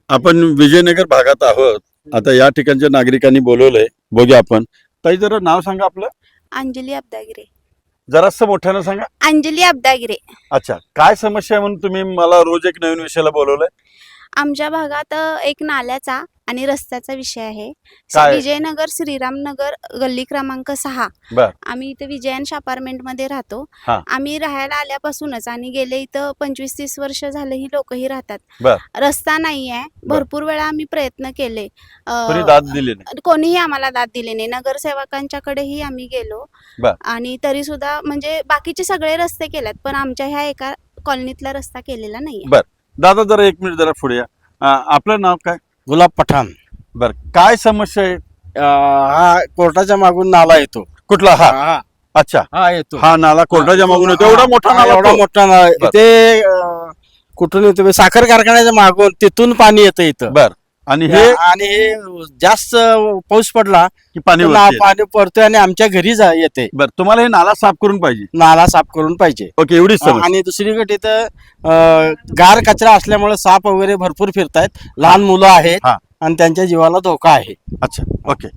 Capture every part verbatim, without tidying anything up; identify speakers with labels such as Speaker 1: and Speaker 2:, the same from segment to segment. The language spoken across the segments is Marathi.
Speaker 1: आपण विजयनगर भागात आहोत. आता या ठिकाणच्या नागरिकांनी बोलवलंय, बघूया आपण. ताई जरा नाव सांगा आपलं.
Speaker 2: अंजली अब्दागिरे.
Speaker 1: जरासं मोठ्यानं सांगा.
Speaker 2: अंजली अब्दागिरे.
Speaker 1: अच्छा, काय समस्या आहे म्हणून तुम्ही मला रोज एक नवीन विषयाला बोलवलंय?
Speaker 2: आमच्या भागात अ, एक नाल्याचा आणि रस्त्याचा विषय आहे.
Speaker 1: काय?
Speaker 2: विजयनगर श्रीरामनगर गल्ली क्रमांक सहा.
Speaker 1: बर.
Speaker 2: आम्ही इथे विजयंश अपार्टमेंट मध्ये राहतो.
Speaker 1: हा.
Speaker 2: आम्ही राहायला आल्यापासूनच आणि गेले इथं पंचवीस तीस वर्ष झाले ही लोकही राहतात.
Speaker 1: बर.
Speaker 2: रस्ता नाही आहे.
Speaker 1: बर.
Speaker 2: भरपूर वेळा आम्ही प्रयत्न केले. अ,
Speaker 1: कोणी दाद दिली नाही?
Speaker 2: कोणीही आम्हाला दाद दिली नाही. नगरसेवकांच्याकडेही आम्ही गेलो
Speaker 1: बर.
Speaker 2: आणि तरी सुद्धा म्हणजे बाकीचे सगळे रस्ते केलेत, पण आमच्या ह्या एका कॉलनीतला रस्ता केलेला नाहीये.
Speaker 1: बर. दादा जरा एक मिनिट जरा पुढे या. अं, आपलं नाव काय?
Speaker 3: गुलाब पठाण.
Speaker 1: बर, काय समस्या आहे?
Speaker 3: अं, हा कोर्टाच्या मागून नाला येतो.
Speaker 1: कुठला? हा.
Speaker 3: हा
Speaker 1: अच्छा,
Speaker 3: हा येतो.
Speaker 1: हा नाला कोर्टाच्या मागून येतो.
Speaker 3: हा,
Speaker 1: एवढा मोठा
Speaker 3: हा,
Speaker 1: नाला
Speaker 3: एवढा
Speaker 1: तो?
Speaker 3: मोठा नाला
Speaker 1: बर.
Speaker 3: इथे अं, कुठून येतो? साखर कारखान्याच्या मागून तिथून पाणी येतं इथं.
Speaker 1: बर. आणि हे
Speaker 3: आणि हे जास्त पाऊस पडला
Speaker 1: की पाणी
Speaker 3: तर ना-
Speaker 1: वरती येतं?
Speaker 3: पाणी पडतोय आणि आमच्या घरी जा- येते.
Speaker 1: बर, तुम्हाला हे नाला साफ करून पाहिजे.
Speaker 3: नाला साफ करून पाहिजे.
Speaker 1: ओके, एवढीच समस्या.
Speaker 3: आणि दुसरीकडे इथं अं, गार कचरा असल्यामुळे साप वगैरे भरपूर फिरतायत. लहान मुलं आहेत
Speaker 1: हा.
Speaker 3: आणि त्यांच्या जीवाला धोका आहे.
Speaker 1: अच्छा, ओके.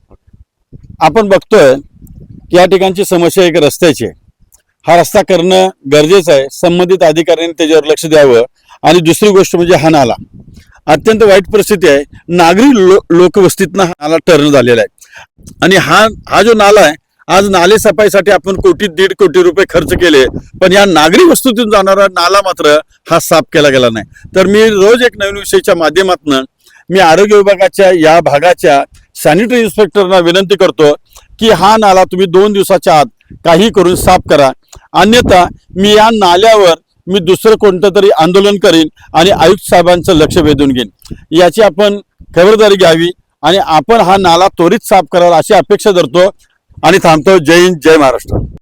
Speaker 1: आपण बघतोय की या ठिकाणची समस्या एक रस्त्याची आहे. हा रस्ता करणं गरजेचं आहे. संबंधित अधिकाऱ्यांनी त्याच्यावर लक्ष द्यावं. आणि दुसरी गोष्ट म्हणजे हा नाला अत्यंत वाईट परिस्थिती आहे. नागरी लो लोकवस्तीतनं हा नाला टर्न झालेला आहे. आणि हा हा जो नाला आहे, आज नाले सफाईसाठी आपण कोटी दीड कोटी रुपये खर्च केले, पण या नागरी वस्तूतून जाणारा नाला मात्र हा साफ केला गेला नाही. तर मी रोज एक नवीन विषयाच्या माध्यमातून मी आरोग्य विभागाच्या या भागाच्या सॅनिटरी इन्स्पेक्टरना विनंती करतो की हा नाला तुम्ही दोन दिवसाच्या आत काही करून साफ करा. अन्यथा मी या नाल्यावर मी दुसरं कोणतं तरी आंदोलन करीन आणि आयुक्त साहेबांचं लक्ष वेधून घेईन. याची आपण खबरदारी घ्यावी आणि आपण हा नाला त्वरित साफ करावा अशी अपेक्षा धरतो आणि थांबतो. जय हिंद, जय महाराष्ट्र.